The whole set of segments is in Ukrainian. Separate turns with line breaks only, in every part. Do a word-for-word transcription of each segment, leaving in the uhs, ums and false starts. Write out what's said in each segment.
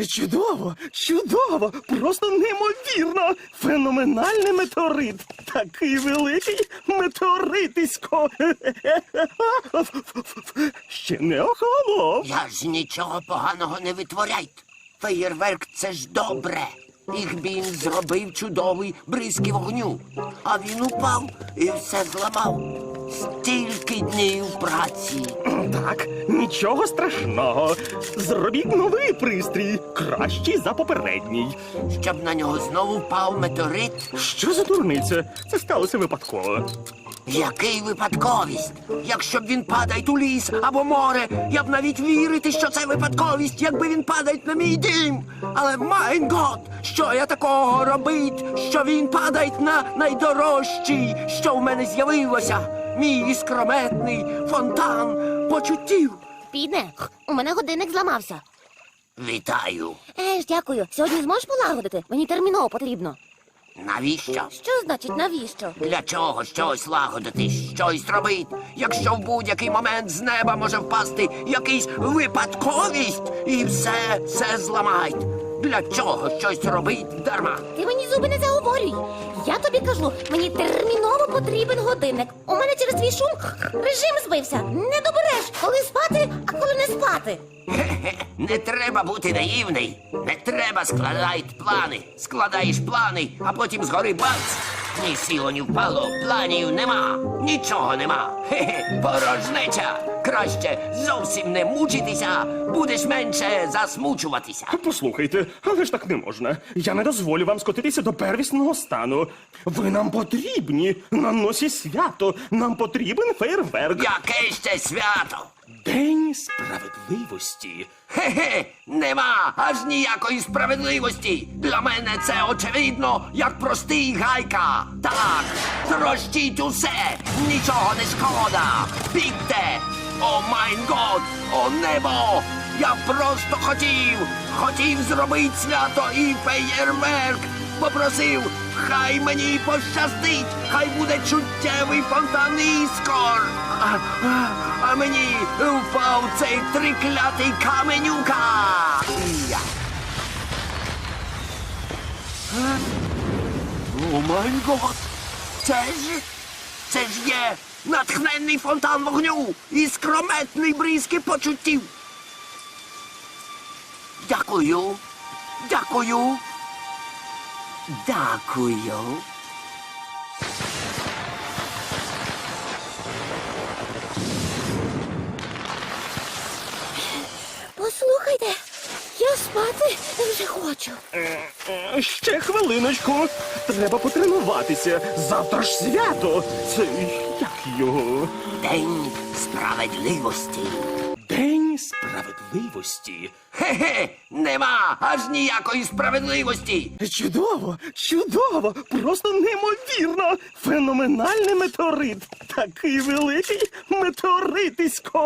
Чудово, чудово, просто неймовірно. Феноменальний метеорит. Такий великий метеоритисько. Ще не охолонув.
Я ж нічого поганого не витворяйте. Феєрверк – це ж добре. Їх він зробив чудовий бризки вогню. А він упав і все зламав. Стільки днів праці.
Так, нічого страшного. Зробіть новий пристрій, кращий за попередній.
Щоб на нього знову впав метеорит.
Що за дурниця? Це сталося випадково.
Який випадковість? Якщо б він падає у ліс або море, я б навіть вірити, що це випадковість, якби він падає на мій дім. Але, майн гот, що я такого робить, що він падає на найдорожчий, що в мене з'явилося? Мій іскрометний фонтан почуттів.
Піде, у мене годинник зламався.
Вітаю.
Е ж, дякую. Сьогодні зможеш полагодити? Мені терміново потрібно.
Навіщо?
Що значить навіщо?
Для чого щось лагодити, щось робить, якщо в будь-який момент з неба може впасти якийсь випадковість і все, все зламають? Для чого щось робить дарма?
Ти мені зуби не заговорюй. Я тобі кажу, мені терміново потрібен годинник. У мене через твій шум режим збився. Не добереш, коли спати, а коли не спати.
Хе-хе, не треба бути наївний. Не треба складати плани. Складаєш плани, а потім згори бац. Ні сіло, ні впало, планів нема. Нічого нема. Хе-хе, порожнеча. Краще зовсім не мучитися, будеш менше засмучуватися.
Послухайте, але ж так не можна. Я не дозволю вам скотитися до первісного стану. Ви нам потрібні. На носі свято. Нам потрібен фейерверк.
Яке ще свято?
День справедливості.
Хе-хе, нема аж ніякої справедливості. Для мене це очевидно, як простий гайка. Так, трощіть усе, нічого не шкода. Бігте! О майн год, о небо! Я просто хотів, хотів зробити свято і феєрверк. Попросив, хай мені пощастить, хай буде чуттєвий фонтан іскор. А, а, а мені впав цей триклятий каменюка. Я. Е? О май гот! Це ж, це ж є натхненний фонтан вогню і скрометний бризки почуттів. Дякую, дякую, дякую.
Послухайте, я спати вже хочу.
Е, Ще хвилиночку. Треба потренуватися. Завтра ж свято. Це як його?
День справедливості.
День справедливості.
Хе-хе, нема аж ніякої справедливості.
Чудово, чудово, просто неймовірно. Феноменальний метеорит. Такий великий метеоритисько.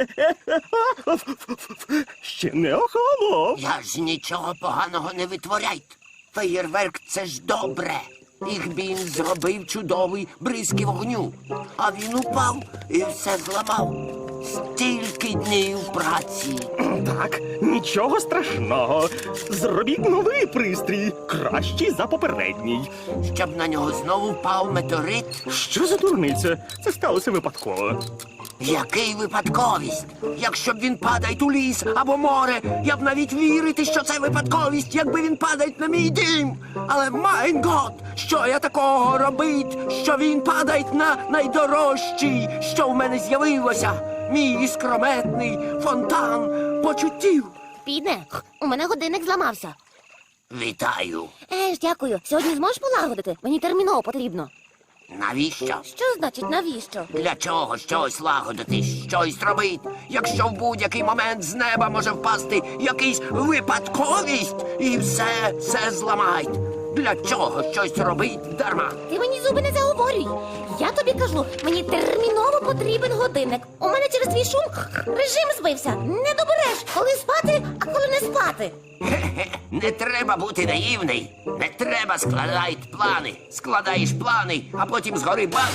Ще не охолонув.
Я ж нічого поганого не витворяйте. Феєрверк – це ж добре. Їх він зробив чудовий бризки вогню. А він упав і все зламав. Стільки днів праці.
Так, нічого страшного. Зробіть новий пристрій, кращий за попередній.
Щоб на нього знову впав метеорит.
Що за дурниця? Це сталося випадково.
Який випадковість? Якщо б він падає у ліс або море, я б навіть вірити, що це випадковість, якби він падає на мій дім. Але, майн гот, що я такого робить, що він падає на найдорожчий, що в мене з'явилося? Мій іскрометний фонтан почуттів.
Піде, у мене годинник зламався.
Вітаю.
Е ж, дякую. Сьогодні зможеш полагодити? Мені терміново потрібно.
Навіщо?
Що значить навіщо?
Для чого щось лагодити, щось робить, якщо в будь-який момент з неба може впасти якийсь випадковість і все, все зламають? Для чого щось робить дарма?
Ти мені зуби не заговорюй. Я тобі кажу, мені терміново потрібен годинник. У мене через твій шум режим збився. Не добереш, коли спати, а коли не спати.
Хе-хе, не треба бути наївний. Не треба складати плани. Складаєш плани, а потім згори бац.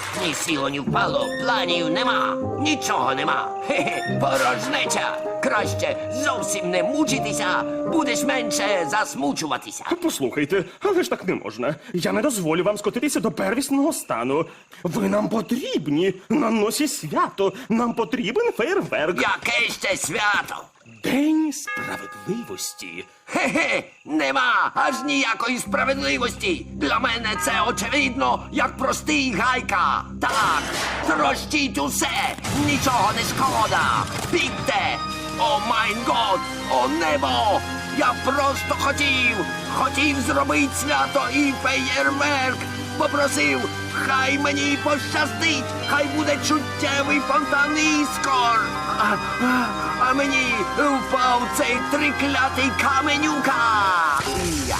Ні сіло, ні впало, планів нема, нічого нема. Хе-хе, порожнеча. Краще зовсім не мучитися, будеш менше засмучуватися.
Послухайте, але ж так не можна. Я не дозволю вам скотитися до первісного стану. Ви нам потрібні на носі свято. Нам потрібен фейерверк.
Яке ще свято?
День справедливості.
Хе-хе, нема аж ніякої справедливості. Для мене це очевидно, як простий гайка. Так, трощіть усе, нічого не шкода. Бігте! О майн год, о небо! Я просто хотів, хотів зробити свято і феєрверк. Попросив, хай мені пощастить, хай буде чуттєвий фонтан іскор. А, а, а мені впав цей триклятий каменюка. Я.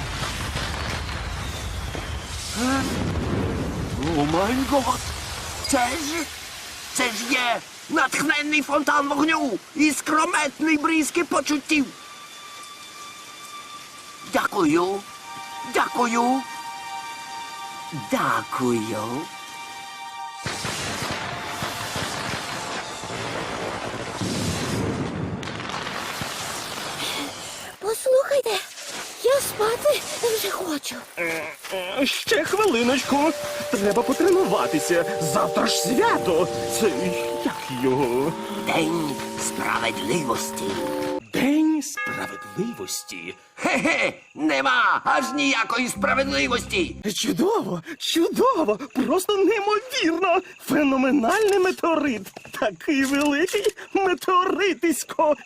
Е? О май гот! Це ж, це ж є натхненний фонтан вогню і скрометний бризки почуттів. Дякую, дякую. Дякую.
Послухайте, я спати вже хочу.
Е, Ще хвилиночку. Треба потренуватися. Завтра ж свято. Це як його?
День справедливості.
День справедливості.
Хе-хе, нема аж ніякої справедливості.
Чудово, чудово, просто неймовірно. Феноменальний метеорит. Такий великий метеоритисько.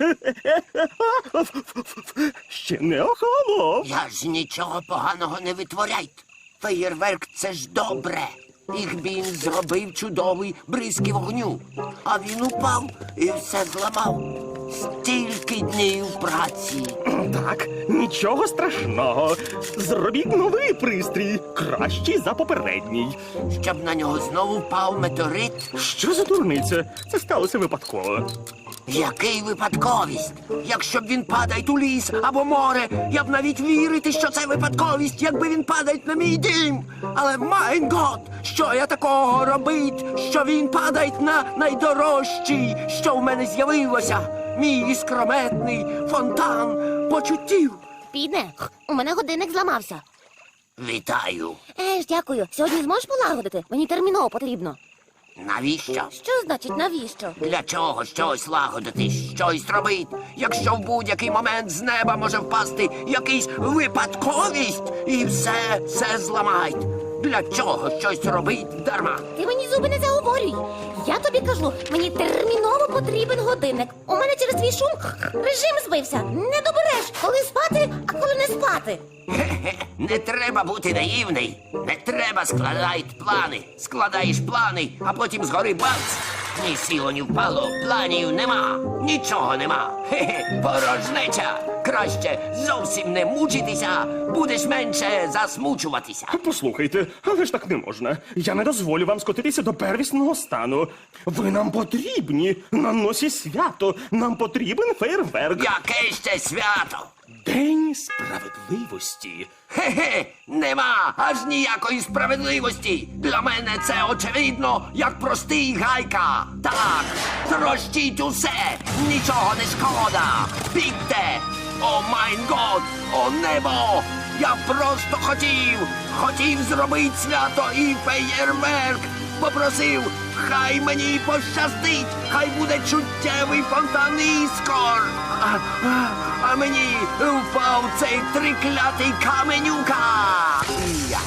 Ще не охолонув.
Я ж нічого поганого не витворяйте. Феєрверк — це ж добре. Їх він зробив чудовий бризки вогню. А він упав і все зламав. Стільки днів праці.
Так, нічого страшного. Зробіть новий пристрій, кращий за попередній.
Щоб на нього знову впав метеорит.
Що за дурниця? Це сталося випадково.
Який випадковість? Якщо б він падає у ліс або море, я б навіть вірити, що це випадковість, якби він падає на мій дім. Але майн гот, що я такого робить, що він падає на найдорожчий, що в мене з'явилося, мій іскрометний фонтан почуттів.
Піде, у мене годинник зламався.
Вітаю.
Еж, дякую. Сьогодні зможеш полагодити? Мені терміново потрібно.
Навіщо?
Що значить навіщо?
Для чого щось лагодити, щось робити, якщо в будь-який момент з неба може впасти якийсь випадковість і все, все зламають. Для чого щось робить дарма?
Ти мені зуби не заговорюй. Я тобі кажу, мені терміново потрібен годинник. У мене через твій шум режим збився. Не добереш, коли спати, а коли не спати.
Хе-хе, не треба бути наївний. Не треба складати плани. Складаєш плани, а потім згори бац. Ні сіло, ні впало, планів нема, нічого нема. Хе-хе, порожнеча. Краще зовсім не мучитися, будеш менше засмучуватися.
Послухайте, але ж так не можна. Я не дозволю вам скотитися до первісного стану. Ви нам потрібні на носі свято. Нам потрібен фейерверк.
Яке ще свято?
День справедливості.
Хе-хе, нема аж ніякої справедливості. Для мене це очевидно, як простий гайка. Так, трощіть усе, нічого не шкода. Бігте! О майн год, о небо! Я просто хотів, хотів зробити свято і феєрверк. Попросив, хай мені пощастить, хай буде чуттєвий фонтан іскор. А, а, а мені впав цей триклятий каменюка. Я.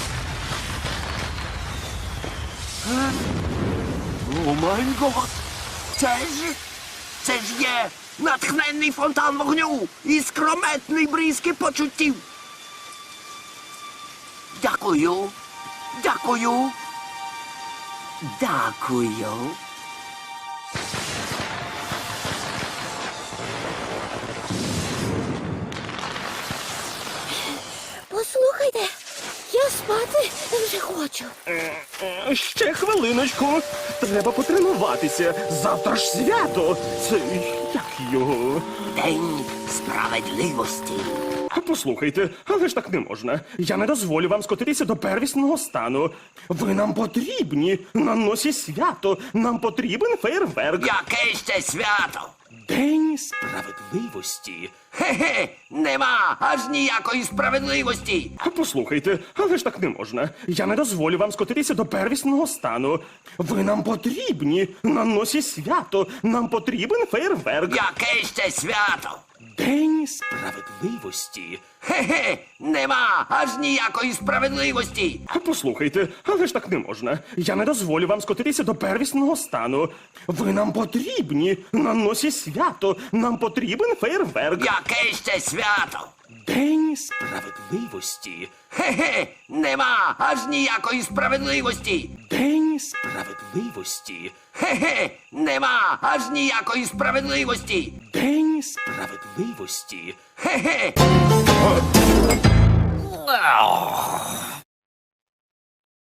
Е? О май гот! Це ж, це ж є натхненний фонтан вогню і скрометний бризки почуттів. Дякую, дякую. Дякую.
Послухайте, я спати вже хочу.
Е, е, Ще хвилиночку. Треба потренуватися. Завтра ж свято. Це як його?
День справедливості.
Послухайте, але ж так не можна. Я не дозволю вам скотитися до первісного стану. Ви нам потрібні на носі свято. Нам потрібен фейерверк.
Яке ще свято?
День справедливості.
Хе-хе, нема аж ніякої справедливості.
Послухайте, але ж так не можна. Я не дозволю вам скотитися до первісного стану. Ви нам потрібні на носі свято. Нам потрібен фейерверк.
Яке ще свято?
День справедливості.
Хе-хе, нема аж ніякої справедливості.
Послухайте, але ж так не можна. Я не дозволю вам скотитися до первісного стану. Ви нам потрібні на носі свято. Нам потрібен фейерверк.
Яке ще свято?
День справедливості.
Хе-хе, нема аж ніякої справедливості.
День справедливості.
Хе-хе, нема аж ніякої справедливості.
День справедливості.
Хе-хе.